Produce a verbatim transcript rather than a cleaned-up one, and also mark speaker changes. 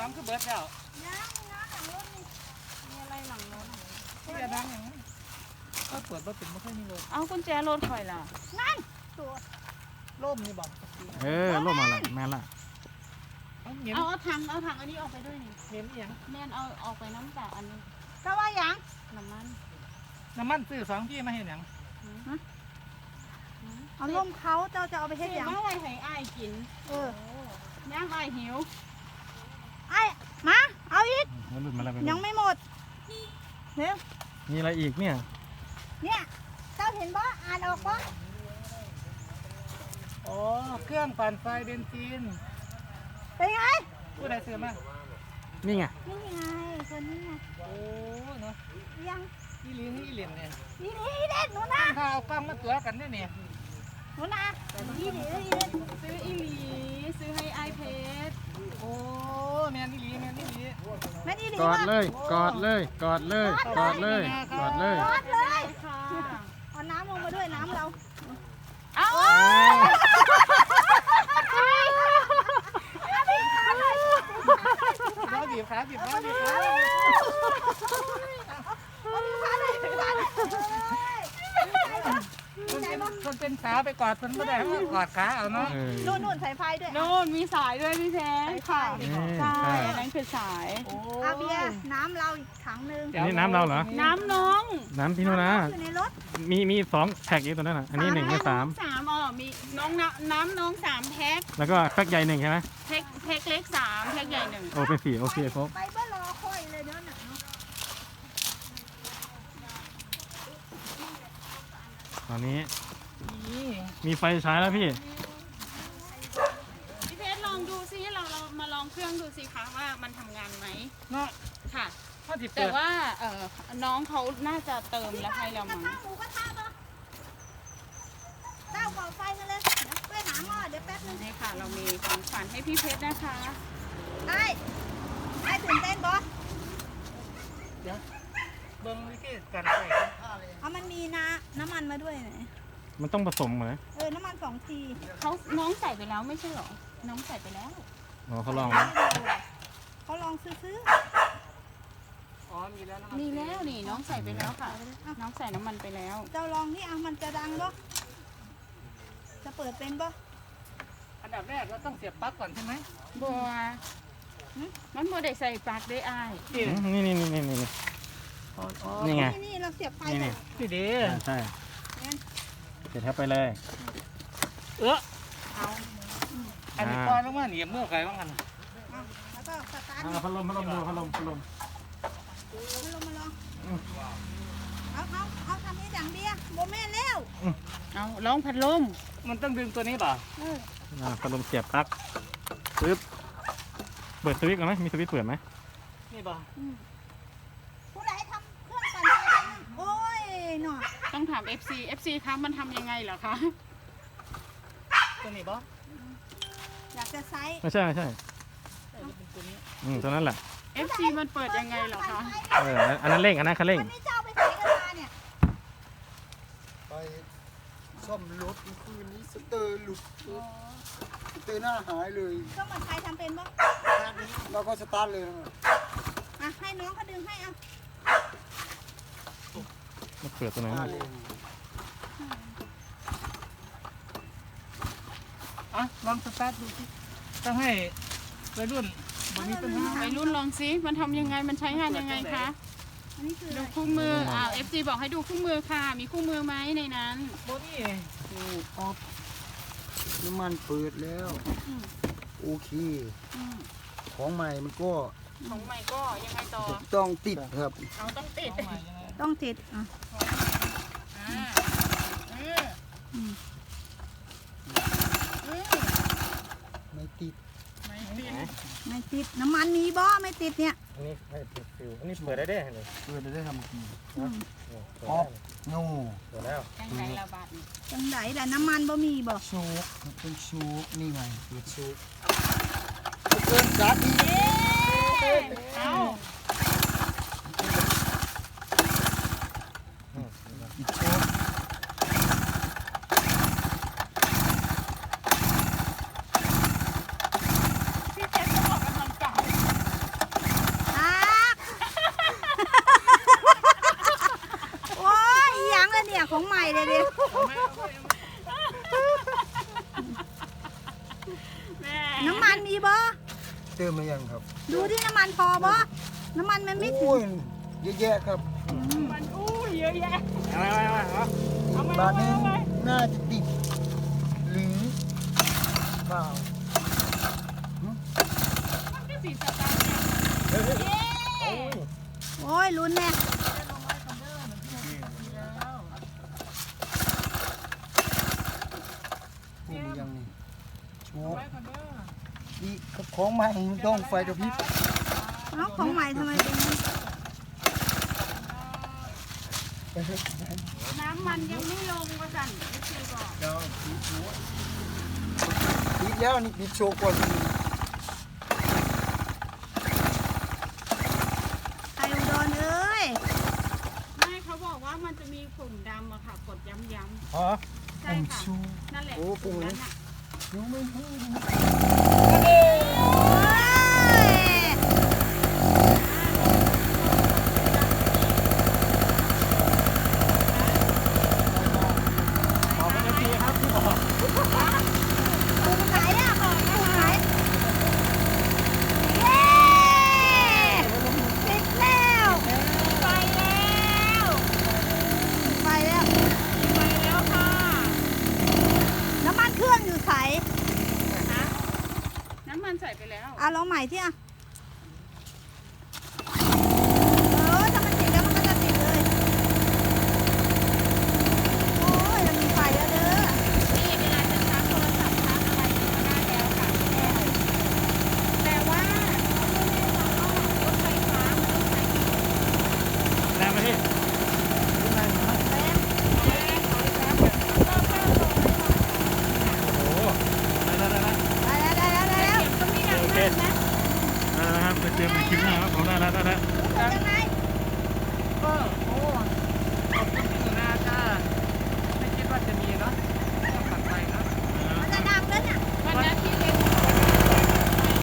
Speaker 1: องคือเบิร์ดแล้ว
Speaker 2: ยังนะหลังรถนี่มีอะไรหลังรถ
Speaker 1: ที่จะดังอย่างนั้นก็เปิดว่าเป็นไม่ค่อยมีรถ
Speaker 3: เอากุญแจรถคอยล่ะ
Speaker 2: นั่นตัว
Speaker 1: ร่มนี่บอก
Speaker 4: เออร่มอะไรแม่ละ
Speaker 3: เอาเอาถังเอาถังอันนี้ออกไปด้วยนี่
Speaker 1: เมียนอย่าง
Speaker 3: แม่นเอาออกไปน้ำจากอันนี้
Speaker 2: ก็ว่ายัง
Speaker 3: น้ำมัน
Speaker 1: น้ำมันซื้อสองพี่มาเห็นอย่าง
Speaker 2: เอาล่มเขาเจ้าจะเอาไปเฮ็ดอย่าง
Speaker 3: ว่าอะไรให้อ้ายกิน
Speaker 2: เอ
Speaker 3: อย่างอ้ายหิว
Speaker 2: ไอ้มาเอาอีกยังไม่หมดเร็ว
Speaker 4: มีอะไรอีกเนี่ย
Speaker 2: เนี่ยเจ้าเห็นบ่อ่านออกบ่
Speaker 1: อ๋อเครื่องปั่นไฟเบนซิน
Speaker 2: เป็นไง
Speaker 1: ผู้ใดซื้อมา
Speaker 4: นี่ไง
Speaker 2: นี่ไงคนนี้ไง
Speaker 1: โอ้เนาะ
Speaker 2: ยัง
Speaker 1: อีลีนี่อีเล่นเนี่ย
Speaker 2: อีลีอีเล่นหนูนะ
Speaker 1: ถ้าเอากล้องมาตัวกันเนี่ยเนี่ย
Speaker 2: หนูนะอีลีอีเล่น
Speaker 3: ซื้ออีหลีซื้อให้ไอเพชร
Speaker 1: โอ้แมนอีลีแมนอีลี
Speaker 2: แม่นอีลี
Speaker 4: กอดเลยกอดเลยกอดเลยกอดเลยกอดเลย
Speaker 2: กอดเลยเอาน้ำลงมาด้วยน้ำเรา
Speaker 3: เอา
Speaker 1: บีบขาบีบขาบีบขาคนเป็นสาวไปกอดคนไม่ได้เพราะกอดขาเอาเนาะ
Speaker 2: นู่นนู่นสายไฟด้วย
Speaker 3: นู่นมีสายด้วยพี่แท้ค่ะใช่อันนั้นคือสาย
Speaker 2: อาเบียน้ำเราอีกถังนึง
Speaker 4: อันนี้น้ำเราเหรอ
Speaker 3: น้ำน้อง
Speaker 4: น้ำพี่นุนะ
Speaker 2: อยู่ในรถ
Speaker 4: มีมีสองแพ็คอีกตัวนั้นอ่ะอันนี้หนึ่งกับสาม
Speaker 3: สามอ๋อมีน้องน้ำน้ำน้องสามแพ็ค
Speaker 4: แล้วก็แพ็คใหญ่หนึ่งใช่ไหม
Speaker 3: แพ็คแพ็คเล็กสามแพ็คใหญ่หนึ่ง
Speaker 4: โอ้เป็นสี่โอเคครบ
Speaker 2: ไปเพื่อรอค่อยเลยเดี๋ยวหนักเนาะ
Speaker 4: ตอนนี้มีไฟใช้แล้วพี่
Speaker 3: พี่เพชรลองดูซิเราเรามาลองเครื่องดูสิคะว่ามันทำงานไหม
Speaker 1: เนาะ
Speaker 3: ค่ะแต่ว่าเออน้องเขาน่าจะเติมแล้วให้เรามั้ง
Speaker 2: หมูกระทะปะเต้าก่อไฟกันเลยเดี๋ยวไปหาหม้อเดี๋ยวแป๊บนึง
Speaker 3: นี่ค่ะเรามีของขวัญให้พี่เพชรนะคะ
Speaker 2: ไอ้ไอ้ตื่นเต้นบอส
Speaker 1: เดี๋ยวเบิ้งวิธีการใส่
Speaker 2: เอามันมีน้ำน้ำมันมาด้วยไหน
Speaker 4: มันต้องผสมเหรอ
Speaker 2: เออน้ำมันสองที
Speaker 3: เขาน้องใส่ไปแล้วไม่ใช่หรอน้องใส่ไปแล้ว
Speaker 4: อ๋อเขาลอง
Speaker 2: เขาลองซื้อ
Speaker 1: อ๋อมีแล้ว
Speaker 3: มีแล้วนี่น้องใส่ไปแล้วค่ะน้องใส่น้ำมันไปแล้ว
Speaker 2: เจ้าลองที่อ่ะมันจะดังบ่จะเปิดเป็นบ่
Speaker 1: อันดับแรกเราต้องเสียบปลั๊กก่อนใช่ไหม
Speaker 3: บัวมันบัวได้ใส่ปลั๊กได้อ้าย
Speaker 4: นี่นี่นี่นี่นี่นี่ไง
Speaker 2: นี่เราเสียบไฟ
Speaker 4: นี่
Speaker 1: นี่ดี
Speaker 4: ใช่เสร็จแล้วไปเลย
Speaker 1: เออเอาอันนี้ปล่อยลงมาเหนียบเมื่อไงบ้างกัน
Speaker 2: แล้วก็สตาร์ท
Speaker 4: พัดลมพัดลมดูพัดลมพัดลม
Speaker 2: พัดลมมาลองเอาเอาเอาทำนี้อย่างเดียวโมเมนแล้ว
Speaker 3: เอาลองพัดลม
Speaker 1: มันต้องดึงตัวนี้ป่ะ
Speaker 4: พัดลมเสียบปลั๊กปึ๊บเปิดสวิตช์ก่อนไหมมีสวิตช์เปิดไหม
Speaker 1: นี่ป่ะ
Speaker 2: ผู้ใดทำเครื่องปั่นไฟโอ้ยหน่อย
Speaker 3: ต้องถาม เอฟ ซี เอฟ ซี คะมันทำยังไงเหรอคะ
Speaker 1: ตัวนี้ป่ะ
Speaker 2: อยากจะไซส์
Speaker 4: ไม่ใช่ไม่ใช่อืมตัวนั้นแหละ
Speaker 3: เอฟ ซี มันเปิดยังไงเหรอคะ
Speaker 4: เอออันนั้นเร่งอันนั้นคันเร่ง
Speaker 2: วันนี้เจ้าไปไหนกันมาเนี่ย
Speaker 5: ไปซ่อมรถคืนนี้สเตอร์หลุดสเตอร์หน้าหายเลย
Speaker 2: ก็มันใครทำเป็นบ้าง
Speaker 5: เราก็สตาร์ทเลยนะ
Speaker 2: อ่ะให้น้องเขาดึงให้เอา
Speaker 4: มาเปิดตัวไหน
Speaker 1: อ่ะลองสตาร์ทดูสิต้องให้วัยรุ่น
Speaker 3: วัยรุ่นลองซิมันทำยังไงมันใช้งานยังไงคะดูคู่มืออ่า เอฟ ซี บอกให้ดูคู่มือค่ะมีคู่มือไหมในนั้น
Speaker 1: โบนี่
Speaker 5: ออฟน้ำมันเปิดแล้วโอเคของใหม่มันก็
Speaker 3: ของใหม่ก็ยังไงต่อ
Speaker 5: ต้องติดครับ
Speaker 3: เอาต้องติด
Speaker 2: ต้องติดอ่ะ
Speaker 5: ไม่ติด
Speaker 3: ไม่ติด
Speaker 2: ไม่ติดน้ำมันมีบ่ไม่ติดเนี่ย
Speaker 4: อันนี้ไม่ติดฟิวอันนี้เปิดได้ได้เลย
Speaker 5: เปิดได้ได้ทำกี่ออฟโน่
Speaker 4: เปิดแล้ว
Speaker 3: จังไหนละบาท
Speaker 2: จังไหนแต่น้ำมันบ่มีบ่
Speaker 5: โชกเป็นโชกนี่ไงเปิดโชกเกินจัด
Speaker 3: เอา
Speaker 5: อีกโชก
Speaker 3: พี่เจสต้องออกกำลังกาย
Speaker 5: ติมมายังครับ
Speaker 2: ดูที่น้ำมันพอบ่น้ำมันมันไม่ถึ
Speaker 5: โอ้
Speaker 2: ง
Speaker 5: ยเยอะแยะครับ
Speaker 3: มันอู้เยอะแยะ
Speaker 1: เอาไว้ไว้ไว้เอา
Speaker 3: เอามา
Speaker 5: บา
Speaker 3: เอา
Speaker 5: ท
Speaker 3: มา
Speaker 5: นี้
Speaker 3: เอามา
Speaker 5: น่าจะติดหรือเปล่า
Speaker 3: มันก็สีสตาร์ทเนี่ยเย้
Speaker 2: โอ้ยลุ้นแน่
Speaker 5: นี่มันยังนี่โชว์นี่ของใหม่มันต้องไฟกระพริบ
Speaker 2: เอ้าของใหม่ทำไมเป็นอย่างนี้
Speaker 3: น้ำมันยังไม่ลงว่าสั่นเอฟซีบอก
Speaker 5: ปิดแล้วนี่ปิดโชว์ก่อน
Speaker 2: ไทยอุดรเอ้ย
Speaker 3: ไม่เขาบอกว่ามันจะมีฝุ่นดำอะค่ะ กดย้ำ
Speaker 1: อ๋อ
Speaker 3: ๆใช่ค่ะ นั่นแหละ
Speaker 5: โอ้ปรุง
Speaker 3: นั้
Speaker 5: นะ
Speaker 3: นอะ
Speaker 5: ยังไม่พูด
Speaker 2: เอ้ย
Speaker 1: ขอบคุณทีครับที่บอก
Speaker 2: ปรุงไหนอ่ะปรุงไหนเย้ติดแล้วไปแล้วไปแล้ว
Speaker 3: ไปแล้วค่ะ
Speaker 2: น้ำมันเครื่องอยู่ใส
Speaker 3: นะน้ำมันใส่ไปแล้ว
Speaker 2: อ่ะลองใหม่ที่อ่ะเออถ้ามันติดแล้วมันก็จะติดเลย โอ้ยเรามีไฟแล้วเด้อ
Speaker 3: นี่เวลาจะชาร์จโทรศัพท์ชาร์จอะไรก็ได้แล้วค่ะแต่ว่ารถไฟฟ้ามันต้องใช้
Speaker 1: แรงไหมพี่
Speaker 3: แรงขอแรงขอแรงก็แค่ลง
Speaker 1: โอ้ได้ได้ได้
Speaker 2: ได้แล้วได้แล้วได้แล้ว
Speaker 3: เก็บก็ไม่ดังมากนะ
Speaker 4: ได้แล้วนะครับไปเจอกันในคลิปหน้าครับผมได้แล้วได้แล้ว
Speaker 2: รู้สึกยังไง
Speaker 1: ก็โอ้ขอบคุณ